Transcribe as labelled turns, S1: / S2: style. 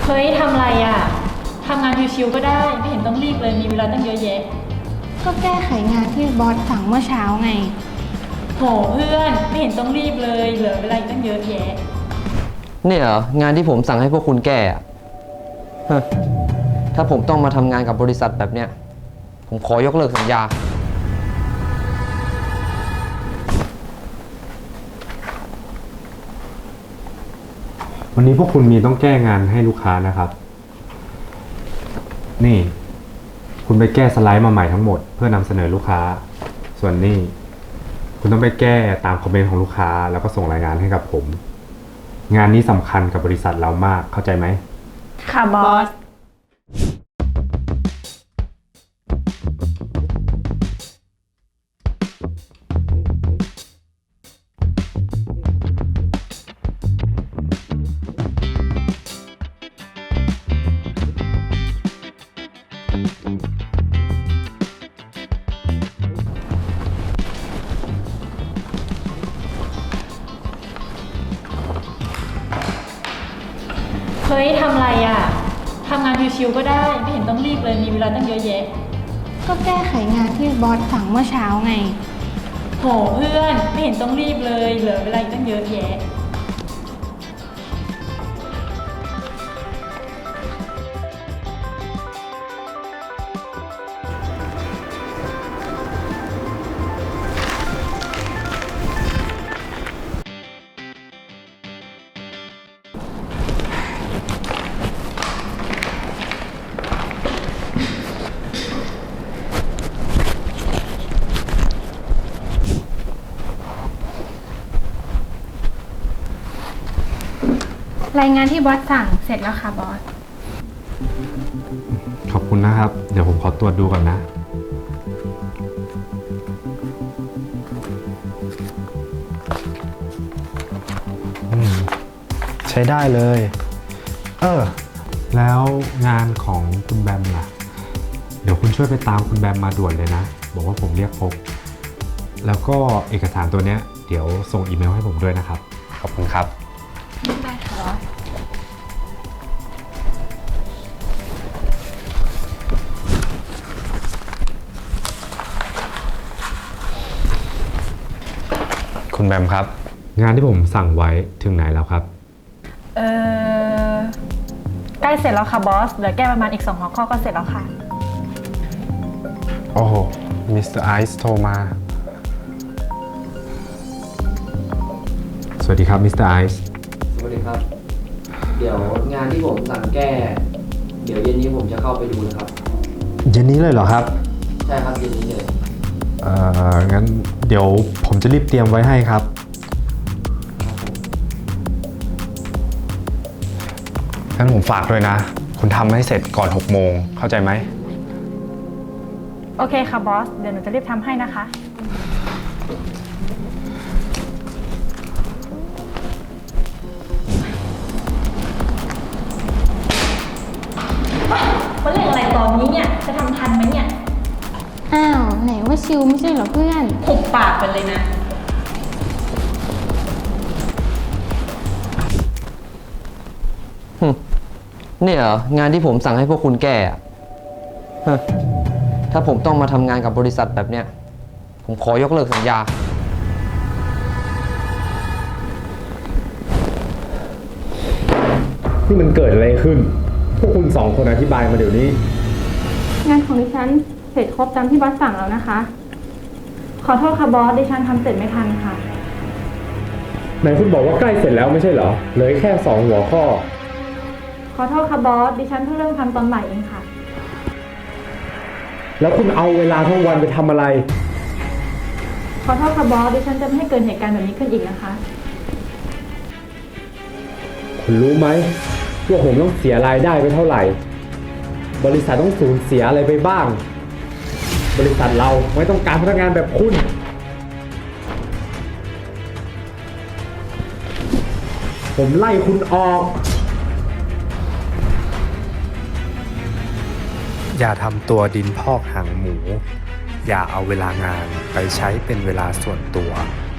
S1: เฮ้ยทำอะไรอ่ะทำงานชิวๆก็ได้ไม่เห็นต้องรีบเลยมีเวลาตั้งเยอะแยะ
S2: ก็แก้ไขงานที่บอสสั่งเมื่อเช้าไง
S1: โหเพื่อนไม่เห็นต้องรีบเลยเหลือเวลาอีกตั้งเยอะแยะ
S3: เนี่ยเหรองานที่ผมสั่งให้พวกคุณแก้อะฮะถ้าผมต้องมาทำงานกับบริษัทแบบเนี้ยผมขอยกเลิกสัญญา
S4: วันนี้พวกคุณมีต้องแก้งานให้ลูกค้านะครับนี่คุณไปแก้สไลด์มาใหม่ทั้งหมดเพื่อนำเสนอลูกค้าส่วนนี่คุณต้องไปแก้ตามคอมเมนต์ของลูกค้าแล้วก็ส่งรายงานให้กับผมงานนี้สำคัญกับบริษัทเรามากเข้าใจไหม
S2: ค่ะบอส
S1: เฮ้ยทำอะไรอ่ะทำงานชิวๆก็ได้ไม่เห็นต้องรีบเลยมีเวลาตั้งเยอะแยะ
S2: ก็แก้ไขงานที่บอสสั่งเมื่อเช้าไง
S1: โหเพื่อนไม่เห็นต้องรีบเลยเหลือเวลาอีกตั้งเยอะแยะ
S2: รายงานที่บอสสั่งเสร็จแล้วค่ะบอส
S4: ขอบคุณนะครับเดี๋ยวผมขอตรวจดูก่อนนะใช้ได้เลยแล้วงานของคุณแบมล่ะเดี๋ยวคุณช่วยไปตามคุณแบมมาด่วนเลยนะบอกว่าผมเรียกพบแล้วก็เอกสารตัวเนี้ยเดี๋ยวส่งอีเมลให้ผมด้วยนะครับขอบคุณครับ
S2: ได้ค่ะบอส
S4: คุณแบมครับงานที่ผมสั่งไว้ถึงไหนแล้วครับ
S1: ใกล้เสร็จแล้วค่ะบอสเหลือแก้ประมาณอีก2หัวข้อก็เสร็จแล้วค่ะ
S4: โอ้โหมิสเตอร์ไอซ์โทรมาสวัสดีครับมิสเตอร์ไอซ์
S3: สวัสดีครับเดี๋ยวงานที่ผมสั่งแก้เดี๋ยวเย็นนี้ผมจะเข้าไปดูนะครับ
S4: เย็นนี้เลยเหรอครับ
S3: ใช่ครับเย็นนี้เลย
S4: งั้นเดี๋ยวผมจะรีบเตรียมไว้ให้ครับงั้นผมฝากด้วยนะคุณทำให้เสร็จก่อน6 โมงเข้าใจไหม
S1: โอเคค่ะบอสเดี๋ยวหนูจะรีบทำให้นะคะมันเรื่องอะไรตอนนี้เนี่ยจะทำทันไหมเนี่ย
S2: อ้าวไหนว่าชิลไม่ใช่เหรอเพื่อน
S1: หุบปากไปเลยนะ
S3: เนี่ยเหรองานที่ผมสั่งให้พวกคุณแก้อะฮะถ้าผมต้องมาทำงานกับบริษัทแบบเนี้ยผมขอยกเลิกสัญญา
S4: นี่มันเกิดอะไรขึ้นพวกคุณ2 คนอธิบายมาเดี๋ยวนี้
S2: งานของดิฉันเสร็จครบตามที่บอสสั่งแล้วนะคะขอโทษค่ะบอสดิฉันทำเสร็จไม่ทันค่ะ
S4: ไหนคุณบอกว่าใกล้เสร็จแล้วไม่ใช่เหรอเหลือแค่2 หัวข้อ
S2: ขอโทษค่ะบอสดิฉันเพิ่งเริ่มทำตอนบ่ายเองค่ะ
S4: แล้วคุณเอาเวลาทั้งวันไปทำอะไร
S2: ขอโทษค่ะบอสดิฉันจะไม่ให้เกิดเหตุการณ์แบบนี้ขึ้นอีกนะคะ
S4: คุณรู้ไหมว่าผมต้องเสียรายได้ไปเท่าไหร่บริษัทต้องสูญเสียอะไรไปบ้างบริษัทเราไม่ต้องการพนักงานแบบคุณผมไล่คุณออกอย่าทำตัวดินพอกหางหมูอย่าเอาเวลางานไปใช้เป็นเวลาส่วนตัว